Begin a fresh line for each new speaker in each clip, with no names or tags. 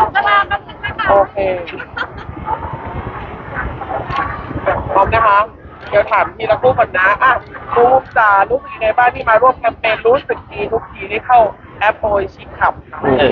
เวลาแป๊บนึงนะคะ
โอเคพร้อมนะคะเดี๋ยวถามทีละคู่ก่อนนะอ่ะบูมจ๋ารู้สึกยังไงบ้างที่มาร่วมแคมเปญรู้สึกดีทุกทีที่เข้าแอปโอยชิคขับ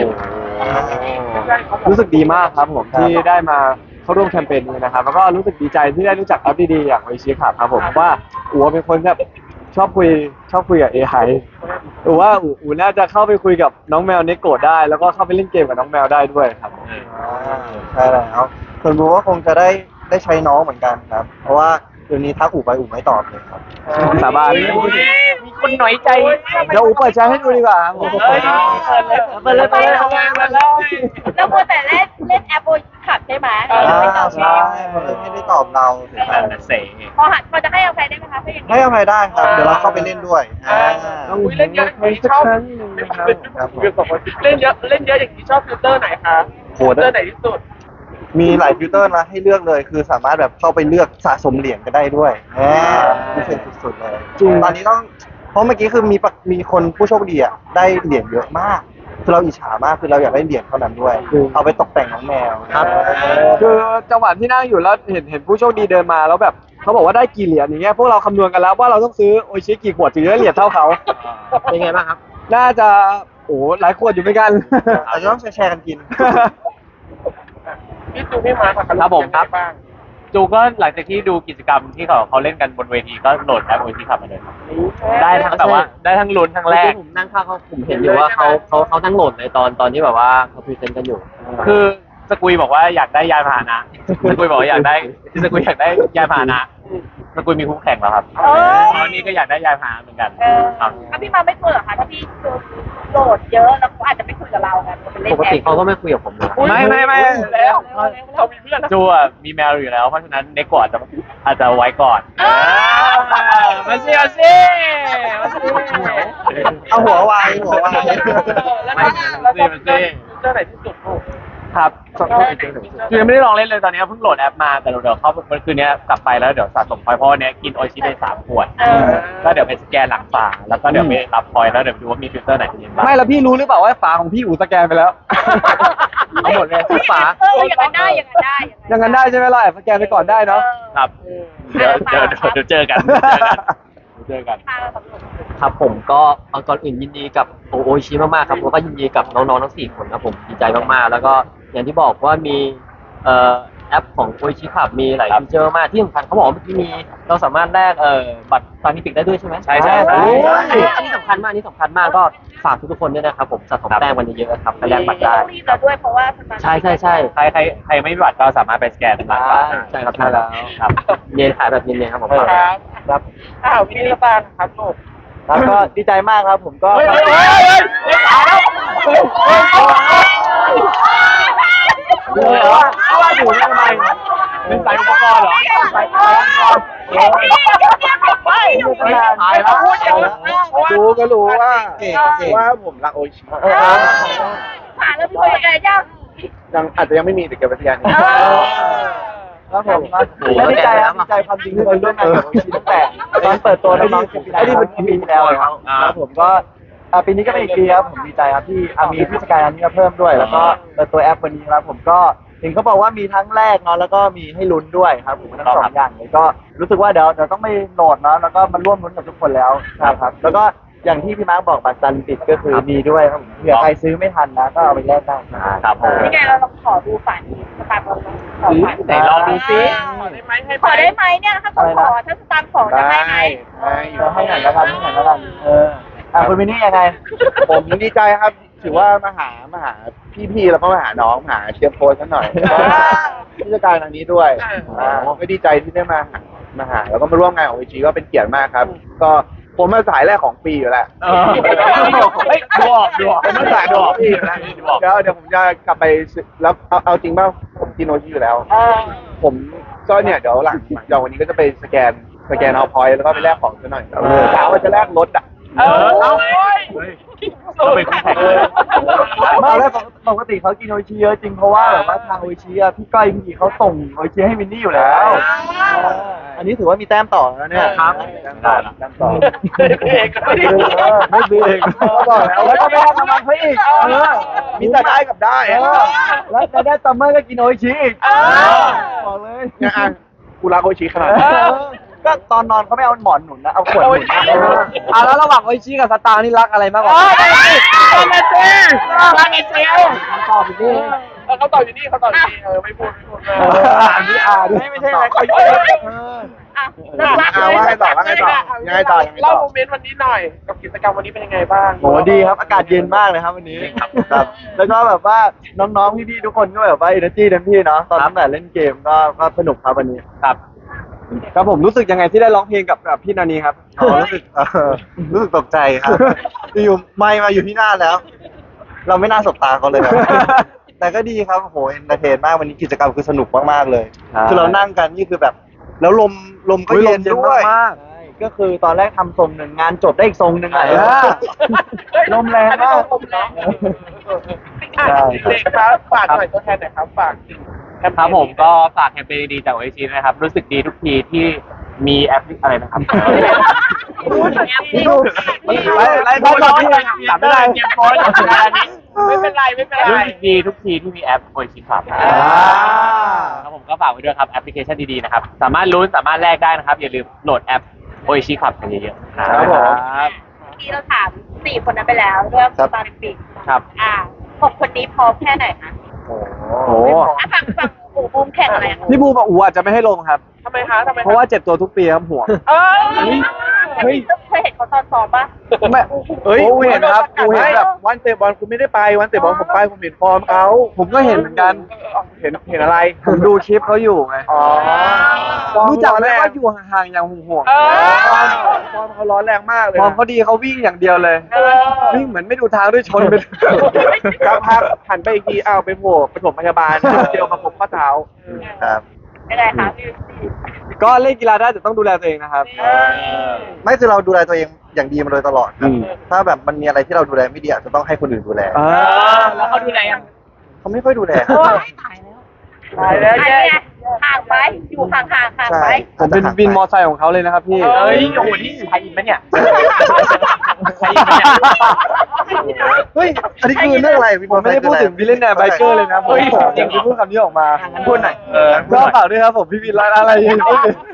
รู้สึกดีมากครับผมที่ได้มาเข้าร่วมแคมเปญนี้นะครับแล้วก็รู้สึกดีใจที่ได้รู้จักแอปดีๆอย่างโอชิครับผมว่าอู๋เป็นคนแบบชอบคุยกับ AI อู๋ว่าอู๋น่าจะเข้าไปคุยกับน้องแมวเนโกะได้แล้วก็เข้าไปเล่นเกมกับน้องแมวได้ด้วยครับ
ใช่แล้วส่วนบูก็คงจะได้ใช้น้องเหมือนกันครับ เพราะว่าเดี๋ยวนี้ทักอู่ไปอู่ไม่ตอบเลยครับ
สาบาน
มีคนหน่อยใจ
เดี๋ยวอู๋เปิดใจให้ดูดีกว่าครับผม
เปิดเลย
เราควรแต่เล่นแอปโอยขับใช่ไหมไม่ตอบ
ใช่เขาเลยไม่ได้ตอบเราถึงแบบ
เสง
พอจะให้อภัยได้ไหมคะถ้าอย่างนี้
ให้อภัยได้ครับ เดี๋ยวเราเข้าไปเล่นด้วย
ต้องเล่นเยอะอย่างนี้ชอบเล่นเยอะอย่างนี้ชอบฟิลเตอร์ไหนคะฟิลเตอร์ไหนที่สุด
มีหลายฟิลเตอร์นะให้เลือกเลย คือสามารถแบบเข้าไปเลือกสะสมเหรียญก็ได้ด้วยพิเศษสุดๆเลยตอนนี้ต้องเพราะเมื่อกี้คือมีคนผู้โชคดีอ่ะได้เหรียญเยอะมากคือเราอิจฉามากคือเราอยากได้เหรียญเท่านั้นด้วยเอาไปตกแต่งน้องแมว
ครับคือจังหวะที่นั่งอยู่แล้วเห็นผู้โชคดีเดินมาแล้วแบบเขาบอกว่าได้กี่เหรียญอย่างเงี้ยพวกเราคำนวณกันแล้วว่าเราต้องซื้อโออิชิกี่ขวดถึงจะได้เหรียญเท่าเขาเป็นไงบ้างครับน่าจะโอ้หลายขวดอยู่เหมือนกัน
อาจจะต้องแชร์กันกิน
พี่จูพี่มาร์ค
ครับผมครับ จูก็หลังจากที่ดูกิจกรรมที่เขาเล่นกันบนเวทีก็โหลดแอปโอทีขับมาเลยครับได้ทั้งแบบว่าได้ทั้งลุ้นทั้งแรก
ผมนั่งข้างเขาผมเห็นอยู่ว่าเขานั่งโหลดในตอนที่แบบว่าเขาพรีเซนต์กันอยู่
คือสกุยบอกว่าอยากได้ยานพาหนะสกุยบอกว่าอยากได้สกุยอยากได้ยานพาหนะสกุยมีคู่แข่งแล้วครับตอนนี้ก็อยากได้ยานพาหนะเหมือนกันครับ
ถ้าพี่มาไม่กลัวเหรอคะถ้าพี่โหลดเยอะแล้วเขาอาจจะไม่คุยกับเราไงเป็นเล่น
ปก
แอ
ติ
ป
เขาก็ไม่คุยกับผมเลย
ไม่
แล้วเรามีเพื่อน
จูอ่ะมีแมวอยู่แล้วเพราะฉะนั้นเน็กกอาจจะไว้ก่อนมาสิมาสิ
เอาหัววางหัววาง
แล้วก็ฟิลเตอร์ไหนที่สุดลูก
ครับคือยังไม่ได้ลองเล่นเลยตอนนี้เพิ่งโหลดแอปมาแต่เดี๋ยวเข้าวันคืนนี้กลับไปแล้วเดี๋ยวสะสมพอยต์เพราะวันนี้กินโออิชิได้3 ขวดก็เดี๋ยวไปสแกนหลังฝาแล้วก็เดี๋ยวไปรับพอยต์แล้วเดี๋ยวดูว่ามีฟิลเตอร์ไหนที่ยังบ้าง
ไม่แล้วพี่รู้หรือเปล่าว่าฝาของพี่อู๋สแกนไปแล้วเอาหมดเลยทุกฝา
อย่างนั้นได้
อย่างนั้นได้ใช่ไหมเราแอบสแกนไปก่อนได้เนาะ
ครับเดี๋ยวเจอกันเจอกัน
ครับผมก็ก่อนอื่นยินดีกับโออิชิมากๆครับแล้วก็ยินดีกับน้องๆทั้ง4 คนครับผมดีใจมากๆแล้วก็อย่างที่บอกว่ามีแอปของโออิชิขับมีหลายฟีเจอร์มากที่สำคัญเขาบอกว่าเมื่อกี้มีเราสามารถแลกบัตรฟานิฟิกได้ด้วยใช่ไหม
ใช่
อันนี้สำคัญมากก็ฝากทุกๆคนด้วยนะครับผมสะสมแต้มกันเยอะๆครับไปแลกบัตรได้
รีบแล้วด้วยเพราะว่า
ใช่
ใครไม่มีบัตรก็สามารถไปสแกนหลังฝา
ใช่ครับใช่แล้วครับเนียนขายแบบเนียนๆครับผม
ครับวินิจบาลครับลูก
แล้วก็ดีใจมากครับผมก็
ว่าอยู่ทำไมเป็นสายอุปกรณ์เหรอสายอุปกรณ์ตายแล้ว
รู้ก็รู้ว่าว่าผมรักโอชิ
ผ่านแล้วพี่คนแก่ยัง
ยังอาจจะยังไม่มีแต่เก็บไว้ที่ยันครับผมดีใจครับดีใจความจริงที่เราร่วมงานกับโอชิตั้งแต่ตอนเปิดตัวน้องๆไอ้นี่เป็นปีที่แล้วครับผมก็ปีนี้ก็เป็นอีกปีครับผมดีใจครับที่มีผู้จัดการอันนี้มาเพิ่มด้วย แล้วก็เปิดตัวแอปวันนี้ครับผมก็เห็นเขาบอกว่ามีทั้งแรกเนาะแล้วก็มีให้ลุ้นด้วยครับผมทั้ง2 อย่างเลยก็รู้สึกว่าเดี๋ยวต้องไปโหลดเนาะแล้วก็มาร่วมลุ้นกับทุกคนแล้วครับแล้วก็อย่างที่พี่มาร์คบอกบัตรซันติดก็คือมีด้วยครับผมเผื่อใครซื้อไม่ทันนะก็เอาไปแลกได้
ครับผม
นี่ไงเราลองขอดูฝันสตาร์บัคขอฝัน
ไหนลองดูซิ
ขอได้ไหมให้
ขอได้ไหมเนี่ยถ้าเขาขอถ้าสตางค์ขอจะให้ไหม
ให้หน่อยแล้วกันคุณมินนี่ยังไง ผมดีใจครับถือว่ามาหาพี่ๆแล้วก็มาหาน้องหาเชียร์โพสกันหน่อยผู้จัดการทางนี้ด้วยก็ดีใจที่ได้มาหาแล้วก็มาร่วมงานของวิจีก็เป็นเกียรติมากครับ ก็ผมมาสายแรกของปีอยู่แล้ว
ดูออก
ผมมาสายของปีอยู่แล้วเดี๋ยวผมจะกลับไปแล้วเอาจริงป่ะผมกินโอชิอยู่แล้ว ผมก็เนี่ยเดี๋ยวหลังจากวันนี้ก็จะไปสแกนเอาพอยต์แล้วก็ไปแลกของซะหน่อยกะว่าจะแลกรถอ่ะ
เอาไปคู่แข่งเลย
มาแล้วปกติเขากินโออิชิเยอะจริงเพราะว่าแบบว่าทางโออิชิอะพี่ก้อยพี่เขาส่งโออิชิให้มินนี่อยู่แล้วอันนี้ถือว่ามีแต้มต่อแล้วเนี่ย
ครับ
แต้มต่อ
เอกก็ไม่ได้
ไม่ซื้อเอง
ก็บอกแล้วก็ไม่ให้รางวัลเขาอีกมีแต่ได้กับได้แล้วได้ซัมเมอร์ก็กินโออิชิอีกบอกเลย
เนี่ยอ่ะกูรักโอชิขนาด
ก็ตอนนอนเขาไม่เอาหมอนหนุนนะเอาขวดหนุน
แล้วระหว่างโออิชิกับสตาร์นี่รักอะไรมากกว่ากัน
มาเนเซล
ตอบอีกที
เขาตอบอยู่นี่ไม่พูด
ดิ
ไม่ใช่อะไรเขาเยอะ
อ่ะเลิกรักเลย
ว่าไงต่อยังไงต่อ
เล่าโมเมนต์วันนี้หน่อย กับกิจกรรมวันนี้เป็นยังไงบ้าง
โหดีครับอากาศเย็นมากเลยครับวันนี้ครับแล้วก็แบบว่าน้องๆพี่ๆทุกคนก็แบบว่าเอเนอร์จีเต็มที่เนาะตอนตั้งแต่เล่นเกมก็สนุกครับวันนี้
ครับ
ครับผมรู้สึกยังไงที่ได้ร้องเพลงกับพี่นานีครับ
รู้สึกตกใจครับอยู่ไม่มาอยู่ที่หน้าแล้ว เราไม่น่าสบตาเขาเลยครับ แต่ก็ดีครับโหเอนเตอร์เทนมากวันนี้กิจกรรมคือสนุกมากๆเลย
ใช่
คือเรานั่งกันนี่คือแบบ แล้วลมก็เย็นด้วย
มาก
ใช่ก็คือตอนแรกทำทรงหนึ่งงานจบได้อีกทรงหนึ่งอ่ะ
ลมแรงมากลมแรงเด็กครับฝากหน่อยตัวแทนหน่อยครับฝาก
ครับผมก็ฝากแคมเปญดีๆจากโอชินะครับ รู้สึกดีทุกทีที่มีแอปอะไรนะครับ
ไล่ก่อนพี่จับไม่ได้
เกมโพสต์อย่างนี้
ไม่เป็นไร
รู้สึกดีทุกทีที่มีแอปโอชิครับครับผมก็ฝากไว้ด้วยครับแอปพลิเคชันดีๆนะครับ สามารถลุ้นสามารถแลกได้นะครับ อย่าลืมโหลดแอปโอชิครับกันเยอะๆ
ครับผม
ที่เราถาม4 คนนั้นไปแล้วเรื่องตอนปิด
ครับ
6 คนนี้พร้อมแค่ไหนคะ
โอ้
ฝั่งอู่บูมแข่งอะไรคะ
พี่บูมกับอูอาจจะไม่ให้ลงครับ
ทำไมคะ
เพราะว่าเจ็บตัวทุกปีครับห่วง
เคยเห็นเขาตอนซ้อมปะ
ไม่อูเห็นครับอูเห็นแบบ
วันเตะบอลคุณไม่ได้ไปวันเตะบอลผมไปผมเห็นฟอร์มเขา
ผมก็เห็นเหมือนกัน
เห็นอะไร
ผมดูคลิปเขาอยู่ไง
อ๋อ
รู้จักไหมว่าอยู่ห่างๆอย่างห่วง
ฟอร์มเขาร้อนแรงมากเลย
ๆความเขาดีเขาวิ่งอย่างเดียวเลย วิ่งเหมือนไม่ดูทางด้วยชนไป
ครับพักหันไปอีกทีอ้าวไปโผล่ปฐมพยาบาลเดียวมาพบข้อเท้าครับ
ยังไงคะพี่
ก็เล่นกีฬาได้แต่ต้องดูแลตัวเองนะครับ
ไม่คือเราดูแลตัวเองอย่างดีมาโดยตลอดครับ
อืม
ถ้าแบบมันมีอะไรที่เราดูแลไม่ดีอาจจะต้องให้คนอื่นดูแล
แล้วเขาดูแลยัง
เขาไม่ค่อยดูแล
ตายแล้วเนี่ยห่างไปอยู่ห่างๆห่าง
ใช่
ไป
ผมเป็นวินมอไซค์ของเขาเลยนะครับพี่
เอ้ยโอ้โหนี่ใครอินปะเนี่ยใครอินปะเนี่ย
เฮ้ยอันนี้คือเรื่องอะไร
ผมไม่ได้พูดถึงวิลเลนแนร์ไบเกอร์เลยนะผมจริงๆพูดคำนี้ออกมา
งั้นพูดหน่อย
ก็ฝากด้วยครับผมพี่วินอะไรอย่างนี้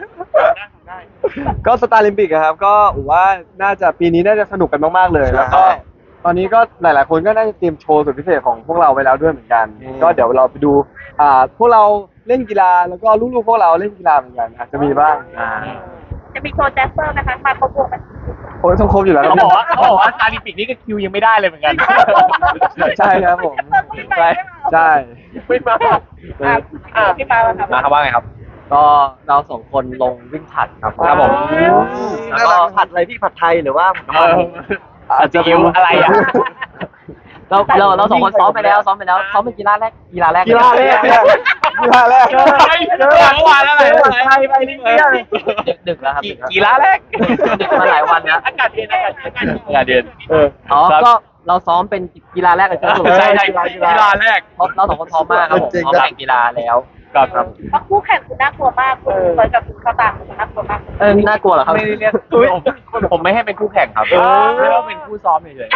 ก็สตาร์ลิมปิกครับก็ผมว่าน่าจะปีนี้น่าจะสนุกกันมากๆเลยแล้วก็ตอนนี้ก็หลายๆคนก็น่าจะเตรียมโชว์สุดพิเศษของพวกเราไว้แล้วด้วยเหมือนกัน ก็เดี๋ยวเราไปดูพวกเราเล่นกีฬาแล้วก็ลูกๆพวกเราเล่นกีฬาเหมือนกันอาจจะมีบ้าง
จะมีโชว์แจสเปอร์นะคะมาประกวดไหม
โอ้ยต้องครบอยู่แล้วค
เขา
รับ
บอกว่าซาดิปิกนี่ก็คิวยังไม่ได้เลยเหมือนกัน
ใช่ครับผม
ใช่
ใช่
ไม่มา
พี่มาครับ
มาครับว่าไงครับ
ก็เราสองคนลงวิ่งผลัดครับ
ครับผม
แล้วก็ผัดอะไรพี่ผัดไทยหรือว่า
อาจจะคิวอะไรอ่ะ
เราสองคนซ้อมไปแล้วซ้อมเป็นกีฬาแรก
กีฬาแรกกีฬาแรก
เมื่อวานอะไรไปนี่เนี่ย
ดึกแล้วครับ
กีฬาแรก
ดึกมาหลายวันนะ
อากาศเย็น
อ๋อก็เราซ้อมเป็นกีฬาแรกกันทั้งหมด
ใช่กีฬาแรก
เราสองคนพร้อมมากครับผมพร้อมแข่งกีฬาแล้ว
ครับ
เพราะคู่แข่งคุณน่ากลัวมากคุณเคยกับคุณเข้าตามคุณน่ากลัวมาก
น่ากลัวเหรอครับ
ไม่ได้เรียกผมไม่ให้เป็นคู่แข่งครับไม่ว่าเป็นคู่ซ้อมเฉย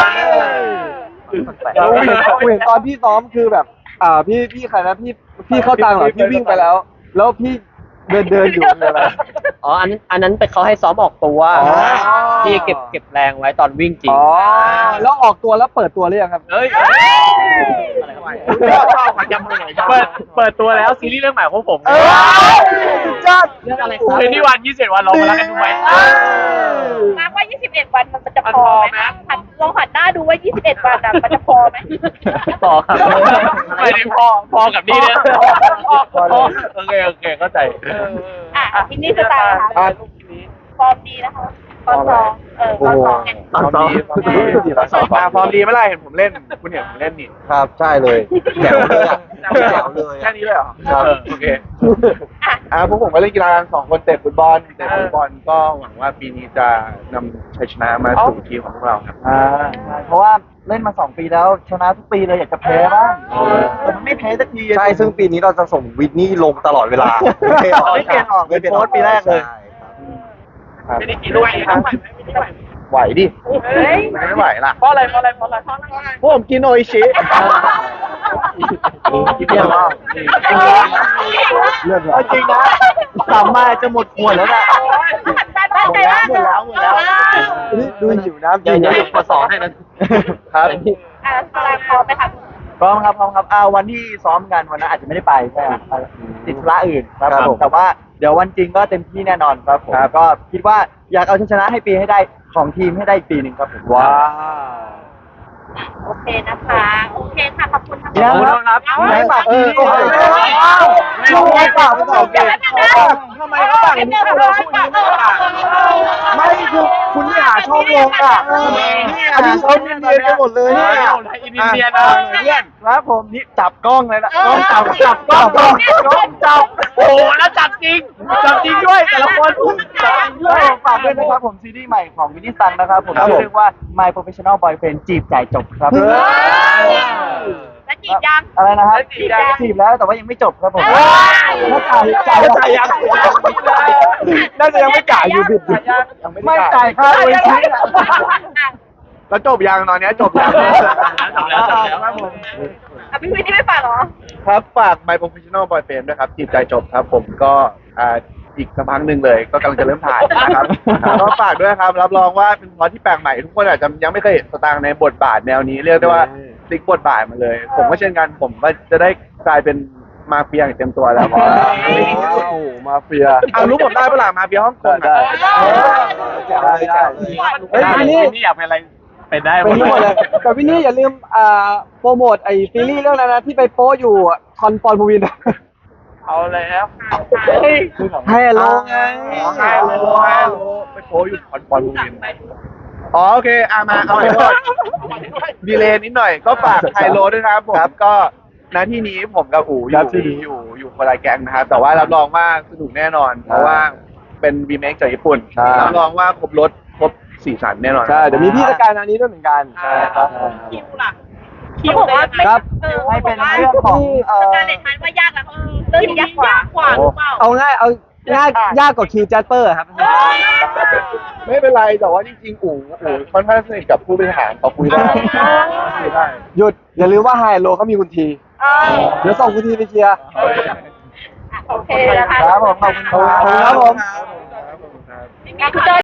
กูเห็นตอนพี่ซ้อมคือแบบพี่ใครนะพี่เข้าตังเหรอพี่วิ่งไปแล้ว แล้วพี่เดินอยู่อะไร
อ๋ออันนั้นเป็นเขาให้ซ้อมออกตัว
อ๋อ
ที่เก็บแรงไว้ตอนวิ่งจริง
อ๋อแล้วออกตัวแล้วเปิดตัวหรือยังครับ
ๆเฮ้ยเปิดตัวแล้วซีรีส์เรื่องใหม่ของผม
จัด
เรื่องอะไรครับ
เป็นที่วัน21 วันเรามารักกันดูไหม
มาว่า21 วันมันจะพอไหมลองหันหน้าดูว่า21 วันมันจะพอไหม
ต่อครับ
ไม่ได้พอกับนี่เนี่ยโอเคเข้าใจ
ที่นี่สไตล์ค่ะฟอร์มดีนะคะตอนซ้อมตอนซ้อมไง
ฟอร์มดีฟอร์มดีฟอร์มดี
พร้อมดีเมื่อไหร่เห็นผมเล่นคุณเห็นผมเล่นนี่
ครับใช่เลยแจ๋วเลยอะแจ๋วเลย
แค่นี้เลยเหรอ
ครับ
โอเคพวกผมก็เล่นกีฬากัน2 คนเตะฟุตบอลก็หวังว่าปีนี้จะนำชัยชนะมาสู่ทีมของพวกเราครับ
เพราะว่าเล่นมา2 ปีแล้วชนะทุกปีเลยอยากจะแพ้บ้างแต่มันไม่แพ้สักที
ใช่ซึ่งปีนี้เราจะส่งวินนี่ลงตลอดเวลา
ไม่เปลี่ยนออกเป็นโค้ชปีแรกเลย
ไม่ได้กี่ด้วยนะไหวดิ
เฮ้ย
ไม่ไหวล่ะเพราะอะไรพวกผมกินโออิชิ
เปลี่ยนรอบ
เลือด
เอาจริงนะสามมาจะหมดขวดแล้วนะ
หมดแล้ว
ดูหิวน้ำจ
เดี๋
ริ
ยว
ง
เดี๋ยว
นะ
หยุดขอสองให้นะครับ
ตารางพร้อมไหมครับ
พร้อมครับวันที่ซ้อมกันวันนั้นอาจจะไม่ได้ไปใช่ครับติดธุระอื่นครับผมแต่ว่าเดี๋ยววันจริงก็เต็มที่แน่นอนครับผมก็คิดว่าอยากเอาชัยชนะให้ปีให้ได้ของทีมให้ได้ปีหนึ่งครับผม
ว้าว
โอเคนะคะโอเคค่ะขอบคุณทั้ง
ยัง
หมด
ครับไม่ฝากทีม
ช่วงนี้ฝากไม่ต้องเก่ง
ทำไมเขาต่างกันเราพูดนี้ไม่ต่าง
ไม่คือคุณไม่หาช่องลงอ่ะอันนี้เขาเนียนกันหมดเลยเนี่ย
อินเดียนะ
เพื่อน
ครับผมนี่จับกล้องเลยนะกล้องจับ
กล้อง
จับ
โอ้แล้วจับจริงด้วยแต่ละคน
ด้วยฝากด้วยนะครับผมซีรีส์ใหม่ของวินนี่ซังนะครับผมชื่อเรื่องว่า My Professional Boyfriend จีบจ่ายจบครับ
แล้วจีบยัง
อะไรนะครับจีบแล้วแต่ว่ายังไม่จบครับผมถ้าจ่ายยัง
น่าจะยังไม่จ่ายอยู่ผิด
ไม่จ่ายค่าโดยชิ้น
แล้วจบยังตอนนี้จบยัง
ครับผม
พี่วินนี่ไม่ฝากหรอ
ครับฝาก My Professional Boyfriend ด้วยครับจีบใจจบครับผมก็อีกสักพักหนึ่งเลยก็กำลังจะเริ่มถ่ายนะครับก็ฝากด้วยครับรับรองว่าเป็นพล็อตที่แปลกใหม่ทุกคนอาจจะยังไม่เคยเห็นสตางค์ในบทบาทแนวนี้เรียกได้ว่าพลิกบทบาทมาเลย ผมก็เช่นกันผมก็จะได้กลายเป็นมาเฟียอย่างเต็มตัวแล้ว
มาเฟีย
รู้ผมได้เปล่ามาเฟียฮ่องกง
ได้
เฮ้ยนี่อยากเป็นอะไรเป็นได้หม
เป็น
ด
ทั้งหมดเลยแต่พี่นี่อย่าลืมโปรโมทไอ้ซีรีส์เรื่องนั้นนะที่ไปโป้อยู่คอนปอนภูวิน
เอาแล้ว
ให้โลไง
ให้โลไปโพอยู่คอนปอนบูมินโอเคมาเอาไปก่อนดีเลย์นิดหน่อยก็ฝากไฮโลด้วยนะครับผมก็ณที่นี้ผมกับอู๋อยู่คนละแก๊งนะครับแต่ว่ารับรองว่าสนุกแน่นอน เพราะว่าเป็นรีเมคจากญี่ปุ่นรับรองว่าครบรสครบสีสันแน่นอน
ใช่เดี๋ยวมีพี่สกายนานี้ด้วยเหมือนกันใช่ครับ
คิวบอกว่า
ครับ
ให้เป็นเรื่องของ
การเล่นทันว่ายากนะเรื่องนี้ยากกว่าหรือเปล่า
เอาง่ายยากกว่าคิวแจสเปอร์ครับ
ไม่เป็นไรแต่ว่าจริงๆอู๋ค่อนข้างสนิทกับผู้บริหารเขาคุยได้
หยุดอย่าลืมว่าไฮโลเขามีคุณทีเดี๋ยวส่งคุณทีไปเคลียร์
โอเคนะคะ
ครับผมขอบคุณครับ
ครับผม
คุณเจอ